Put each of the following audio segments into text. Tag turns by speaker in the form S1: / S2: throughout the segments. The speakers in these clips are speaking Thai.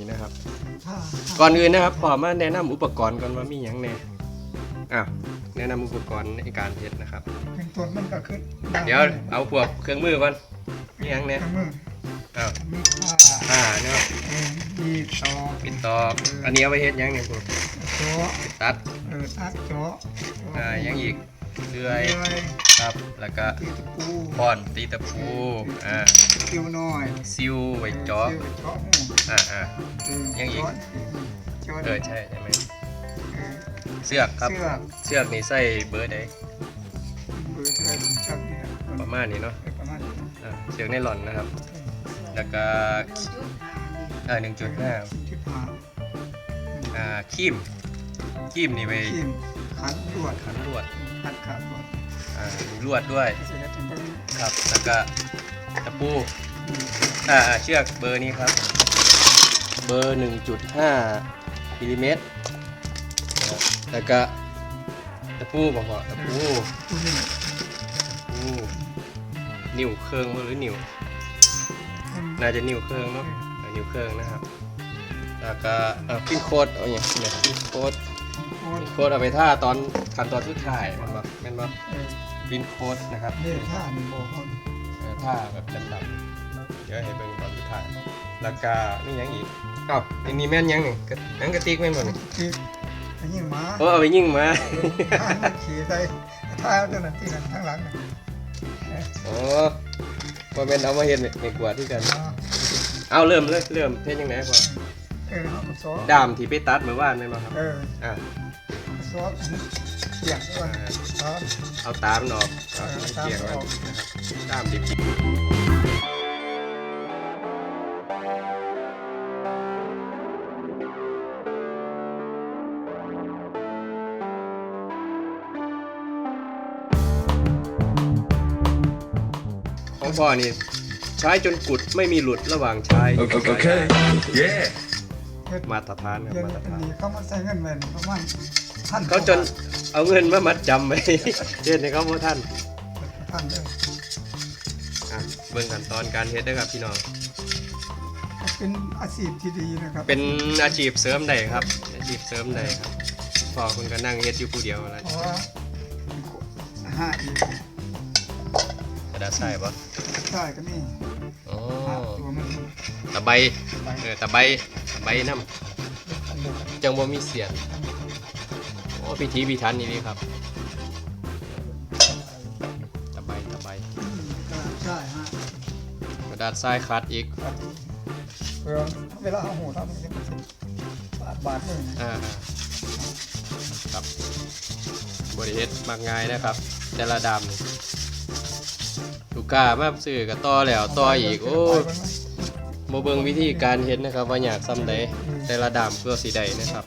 S1: นะครับก่อนอื่นนะครับขอมาแนะนำอุปกรณ์ก่อนว่ามีอย่างแน่แนะนำอุปกรณ์ในการเฮ็ดนะครับ
S2: เป็นตัวมันก็คือ
S1: เดี๋ยวเอาพวกเครื่องมือก่อนมีอย่างแน่
S2: มือ มีผ้า
S1: เนาะ
S2: มีตอก
S1: ปิดตอกอันนี้เอาไปเฮ็ดหยังเนี่ยพวก
S2: โจ๊ะ
S1: ตัด
S2: ตัดโจ๊ะ
S1: ยังอีกเลื่อยครับแล้วก็
S2: ตีตะปู
S1: ป้อนตีตะปู
S2: คิวน้อย
S1: ซิวไว้เจาะ
S2: เจาะหู
S1: ยังอีกใช่ไหมเสือกครับเสือกนี่ใส่เบอร์ใด
S2: เบอร์เท่าไหร่ชักเนี่ย
S1: ประมาณนี้เนาะ
S2: ประมาณ
S1: เสือกไนลอนนะครับแล้วก็1.5
S2: ที่ผ่า
S1: ครีมนี่ไป
S2: ขีมขันลวด
S1: ขันลวด
S2: ขันขาดลวด
S1: มีลวดด้วย
S2: เสร็จแล้วถึงก็
S1: ครับแล้วก็ตะปูเชือกเบอร์นี้ครับเบอร์ 1.5 มิลลิเมตรแล้วก็ตะปูบอกว่าตะปูนิ้วเครื่องมือหรือนิ้วน่าจะนิ้วเครื่องเนาะนิ้วเครื่องนะครับแล้วก็ปิ้นโคดเอาอย่างนี้ปิ้นโคดเอาไปท่าตอนขั้นตอนสุดท้ายมันบอกปิ้นโคดนะครับ
S2: เนี่ยท่านี่โบกน
S1: ท่าแบบดำๆเดี๋ยวให้เบิ่งตอนสุดท้ายแล้วก็นี่ยังอีกนี่แม่นยังนี่นังกระติกแม่นบ่นี่
S2: ที่ไปยิงม้า
S1: เอาไปยิงมา
S2: ขี่ใส่ท่าเจ้าหน้าที่กันข้างหลัง
S1: บ่แม่นเอามาเฮ็ดในกวาดที่กันเอาเริ่มเฮ็ดยังไงก่อน
S2: เขาซ้อ
S1: ดามที่ไปตัดเมื่อวานแม่นบ่ครับ
S2: ซ้อเกี่ยงด้วยซ้อ
S1: เอาตามมันออกเกี่ยงมันนะครับดามดิบของพ่อนี่ใช้จนกุดไม่มีหลุดระหว่างใช้มาตรฐานครับมาตรฐาน
S2: เขามาใส่เงินเว้นประมาณ
S1: เขาจนเอาเงินมามัดจำไว้เฮ็ดให้เขาบ่ทัน
S2: เลย
S1: เบิ่งขั้นตอนการเฮ็ดด้วยครับพี่น้อง
S2: เป็นอาชีพที่ดีนะครับ
S1: เป็นอาชีพเสริมได้ครับอาชีพเสริมได้ครับพ่อคุณก็นั่งเฮ็ดอยู่ผู้เดียวแล้ว
S2: เพราะว่าอีก
S1: กระดาษทรายบ่
S2: ใช่ก็นี่ตัวมัน
S1: ตะไบตะไบน้ำจังบ่มีเสียนพิธีพิธันนี่ครับตะไบ
S2: ใช่ฮะ
S1: กระดาษทรายคัดอีก
S2: เวลาเอาหูทำมันจะเป็นบาทเลย
S1: ครับบริเฮ็ดมากง่ายนะครับแต่ละดำนี่ลูกค้ามาซื้อก็ต่อแล้วต่ออีกโอ้บ่เบิ่งวิธีการเฮ็ดนะครับว่าอยากซ้ำใดแต่ละดำเพื่อสิได้นะครับ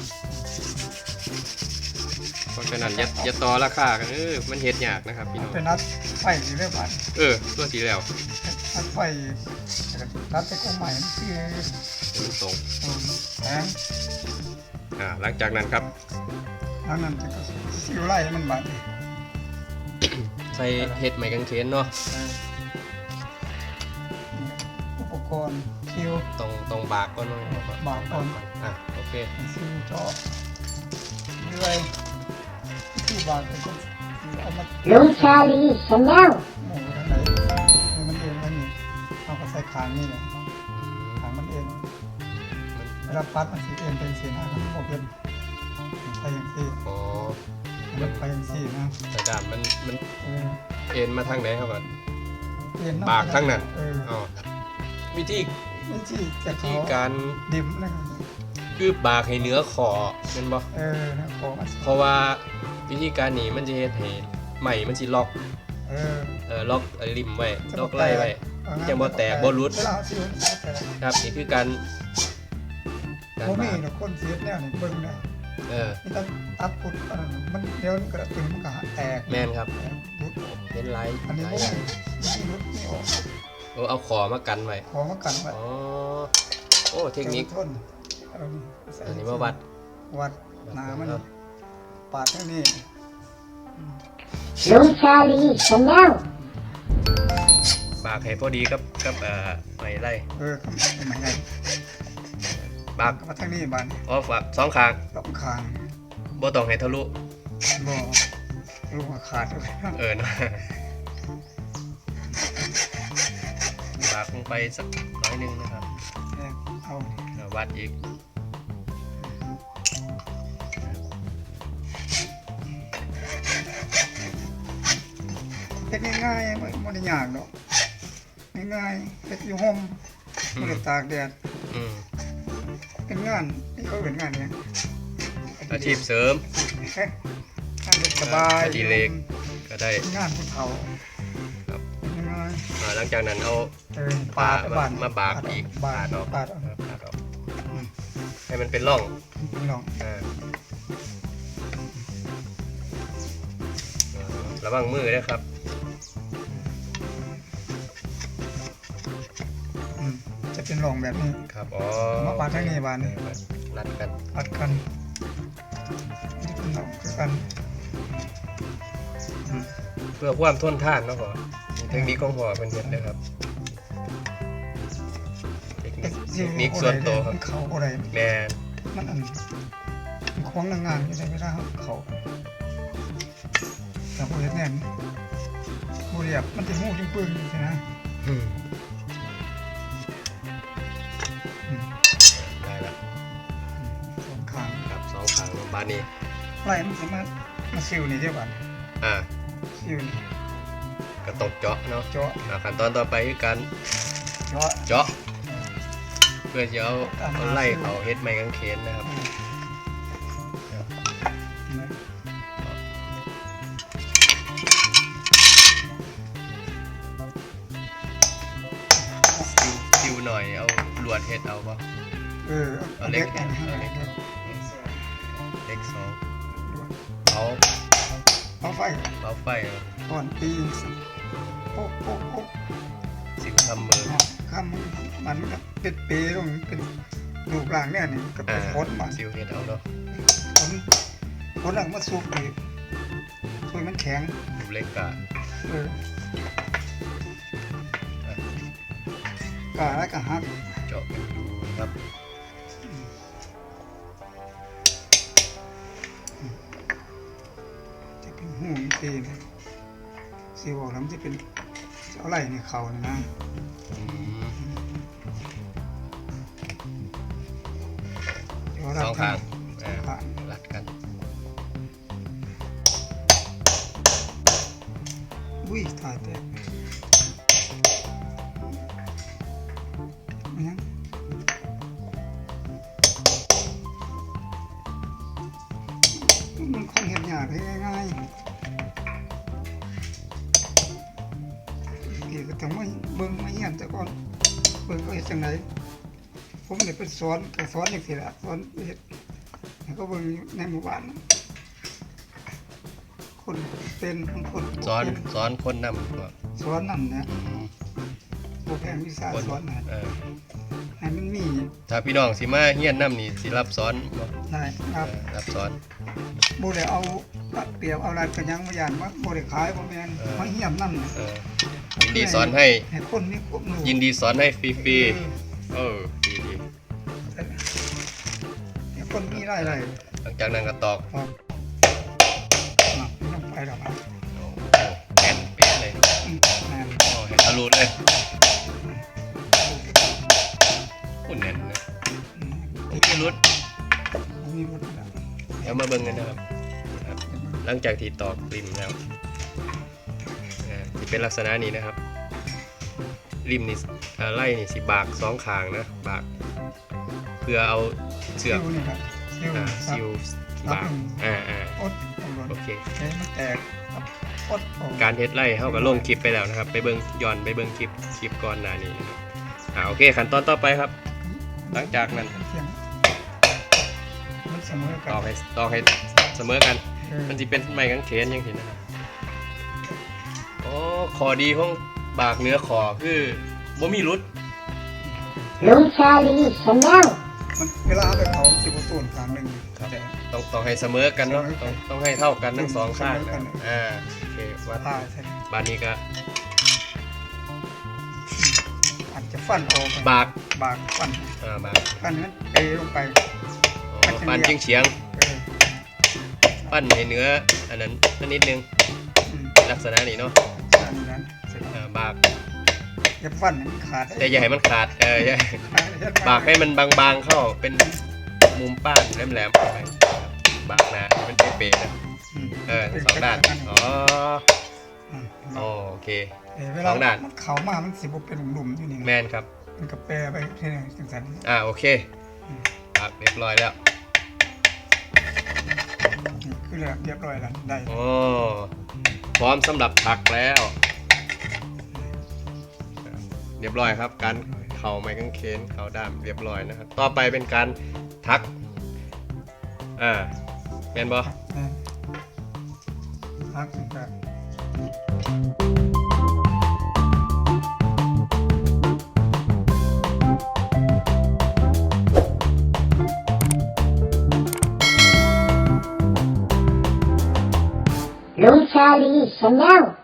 S1: เพราะฉะนั้นอย่าต่อราคากันมันเฮ็ดยากนะครับพี่น้อง
S2: เป็นนัดไฟสีเรียบร้อย
S1: ตัวสีแล้ว
S2: นัดไฟนัดไปกองใหม่คือ
S1: ตรง
S2: แพง
S1: หลังจากนั้นครับ
S2: หลังนั้นจะซิวไล่มันบาด
S1: ใส่เฮ็ดไม้กางเขนเนาะ
S2: อุปกรณ์คิว
S1: ตรงบากก่อน
S2: บากก่อน
S1: โอเค
S2: ซิวเจาะเรื่อยที่บากเป็นคนเอามา
S3: ลุงชาลีชาแนล
S2: โอ้ยไหนมันเองมันนี่เอาก็ใส่ขางนี่แหละขางมันเองเวลาปัดมันสีเอ็นเป็นสีหน้ามันโอเคไปอย่างที่มันไปอย่างที่นะ
S1: แต่ดามมันเอ็นมาทางไหนครับก่อนบากทางนั้นวิธีการ
S2: ดิมนะครับ
S1: คือบากให้เนื้อขอเป็นบ่เพราะว่าวิธีการนี้มันจะเฮ็ดให้ใหม่มันสิล็อกล็อกริมไว้ล็อกไล่ไว้จะบ่แตกบ่หลุดครับนี่คือการ
S2: บ่มีดอกคนเสียแนวนี่เบิ่งนะนี่ต้องตัดปุดมันเดี๋ยวกระตุ้นมันก็แตก
S1: แม่นครับ
S2: รุด
S1: เป็นไร
S2: อันนี้บ่รุดไม่ออก
S1: เอาขอมากันไว้
S2: ขอมากันไว้
S1: โอ้เทคนิคอันนี้มาวัด
S2: หนามันปาดเท่านี้
S3: ลุงชาลีชาแนล
S1: บากให้พอดีกับไม้ไล่
S2: ไม้ไล่
S1: บาก
S2: มาทางนี้บ้าน
S1: อ๋อฝากสองข้าง
S2: สองข้าง
S1: บ่ต้องให้ทะลุ
S2: บ่ลูกขาดเลย
S1: เนาะบากลงไปสักน้อยหนึงนะครับ
S2: เอา
S1: วัดอีก
S2: เป็นง่ายๆไม่ได้ยากหรอกง่ายๆเป็นอยู่ห่มไม่ได้ตากแดด
S1: อืม
S2: เป็นงานที่เขาเป็นงานเนี่ย
S1: อาชีพเสริม
S2: งานเด็กสบาย
S1: อดิเรกก็ได้
S2: งานผู้เฒ่า
S1: ครับ
S2: ง่าย
S1: หลังจากนั้นเอา
S2: ปาดบ้าน
S1: มาบากอีก
S2: บาด
S1: ออก
S2: บาดออก
S1: ปาดออกให้มันเป็นร่อง
S2: ลอง
S1: ระวังมือด้วยครับ
S2: จะเป็นรองแบบนี้
S1: ครับอ๋อ
S2: มาปาดทางนี้บานนี้
S1: รัดกัน
S2: ปัดกันนี่เป็นรองคือกัน
S1: เพื่อความทนทานเนาะพ่อเทคนิคของพ่อเป็นเห็นนะครับเทคนิคส่วนตัวครับ
S2: เขาอะไร
S1: แม่
S2: มันอันมันคล้องนางงานอยู่ในเวลาเขาแต่บริเวณแน่นบริเวณมันจะหูจึงปึ้งใช่ไหม
S1: อืมได้ละ
S2: สองข้าง
S1: ครับสองข้างบานนี้
S2: ไล่มันสามารถมาซิวนี่ได้บ้าน
S1: อ่า
S2: ซิวนี่
S1: ก็ตกเจาะเนาะ
S2: เจาะ
S1: ขั้นตอนต่อไปคือการ
S2: เจาะ
S1: เจาะ เพื่อจะเอาไล่เขาเฮ็ดไม้กางเขนนะครับ ซิวหน่อยเอาลวดเฮ็ดเอาป่ะ
S2: เอาเล็กอันนี้
S1: เอาเล็ก
S2: เล็ก
S1: เล็กสองเอา
S2: เอาไฟ
S1: เอาไฟเอา
S2: ก่อนตีโป๊กโป๊กโป๊ก
S1: ซิวทำมือ
S2: คำมันก็เป็นเปลงเป็นลูกหลางเนี่ยนี่ก็เป็นคนมัน
S1: ซิวเฮ็ดเอาเนาะ
S2: คนหลังมาสูบอีกช่วยมันแข็ง
S1: รูปเล็กกะ
S2: กาแล้วก็หัก
S1: เจาะกันดูครับ
S2: จะเป็นหูตีนะซีบอกแล้วมันจะเป็นเอาไหล่ในเขาเนี่ยนะ
S1: อืม
S2: เดี๋ยว
S1: สองข้าง
S2: ข้าง
S1: รัดกัน
S2: อุ้ยตายแตกมันยังมันคงเห็นยากได้ง่ายๆพี่ก็ต้องมาเบิ่งมาเฮียนแต่ก่อนเบิ่งเขาเฮ็ดจังไดผมเนี่ยเป็นสอนก็สอนอย่างสิละสอนเฮ็ดแล้วก็เบิ่งอยู่ในหมู่บ้านนะคนเป็นบางคน
S1: สอนคนนำตัว
S2: สอนนั่นเนี่ย
S1: อืม
S2: โปรแกรมวิชา
S1: คน
S2: สอนนะ ให้มันมี
S1: ถ้าพี่น้องสิมาเฮียนนำนี่สิรับสอนบ่
S2: ได้ครับ
S1: รับสอน
S2: บ่ได้เอาเปรียบเอาอะไรกันยังบ่ย่านว่าบ่ได้ขายบ่แม่นมาเฮียนนั่นน่ะ
S1: ยินดีสอนให้
S2: ให้คนมีความรู้
S1: ยินดีสอนให้ฟรีๆดี
S2: ให้คนมีรายได้
S1: หลังจากนั้นก็ตอก
S2: ครับต้องไปดอกครับ
S1: โอ้แน่นเป๊ะเลย
S2: แม่น
S1: โอ้เห็นทะลุเลยอุ่นแน่นเลยพี่รุด
S2: มีรถแล้ว
S1: เดี๋ยวมาเบิ่งกันนะครับ หลังจากที่ตอกริมแล้วที่เป็นลักษณะนี้นะครับ ริมนี่ไล่นี่สิบากสองข้างนะบากเพื่อเอาเสือก
S2: ซิวนี่ครับซิว
S1: ซิลบาก
S2: อดตำรวจ
S1: โอเค
S2: ใช้มันแตกครับอดออก
S1: การเฮ็ดไล่เฮาก็ลงคลิปไปแล้วนะครับ ไปเบิ่งย้อนไปเบิ่งคลิปก่อนหน้านี้นะครับโอเคขั้นตอนต่อไปครับ หลังจากนั้น
S2: เสียงมันเสมอกั
S1: ตอกให้เสมอกัน มันจะเป็นไม้กางเขนยังเห็นนะครับโอ้ขอดีของบากเนื้อขอคือบ่มีรุด
S3: Blue Charlie Chanel.
S2: มันเวลาเอาไปเผาจิบตูนครั้งหนึ่ง
S1: ครับ
S2: แต่
S1: ต้องให้เสมอกันเนาะ
S2: เสมอกัน
S1: ต้องให้เท่ากันทั้งสองข้าง
S2: เสมอกั
S1: นะ
S2: น
S1: โอเควัด
S2: ตายใช่ไหม
S1: บ้านนี้ก็
S2: อาจจะฟันออก
S1: บาก
S2: บากฟัน
S1: บาก
S2: ฟันนั้นเตะลงไป
S1: ปั้นเฉียง
S2: เออ
S1: ๆปั้นให้เนื้ออันนั้นนิดนึง
S2: อืม
S1: ลักษณะนี้เนาะ
S2: อันนั้นเสร็จแล้ว
S1: บาก
S2: อย่าฟันให้มันขาด
S1: แต่อย่าให้มันขาดอย่าบากให้มันบางๆเข้าเป็นมุมป้านแหลมๆไปบากหนาให้มันเป๊ะๆนะ ทั้งสองด้านอ๋อ โอเค
S2: เว
S1: ส
S2: ลา
S1: องด้าน
S2: มันเข่ามามันสิบเป็นหลุมๆอยู่นี่
S1: แม
S2: นะ
S1: นครับ
S2: มันก็แปรไปที่ไหนจังสัน
S1: โอเคบากเรียบร้อยแล้ว
S2: นี่คือเรียบร้อยแล้วได้
S1: โอ้พร้อมสำหรับถักแล้ว เรียบร้อยครับการเข่าไม้กางเขนเข่าด้ามเรียบร้อยนะครับต่อไปเป็นการทักแมนบอ
S2: พักถึงแบบ
S3: ลุงชาลีชาแนล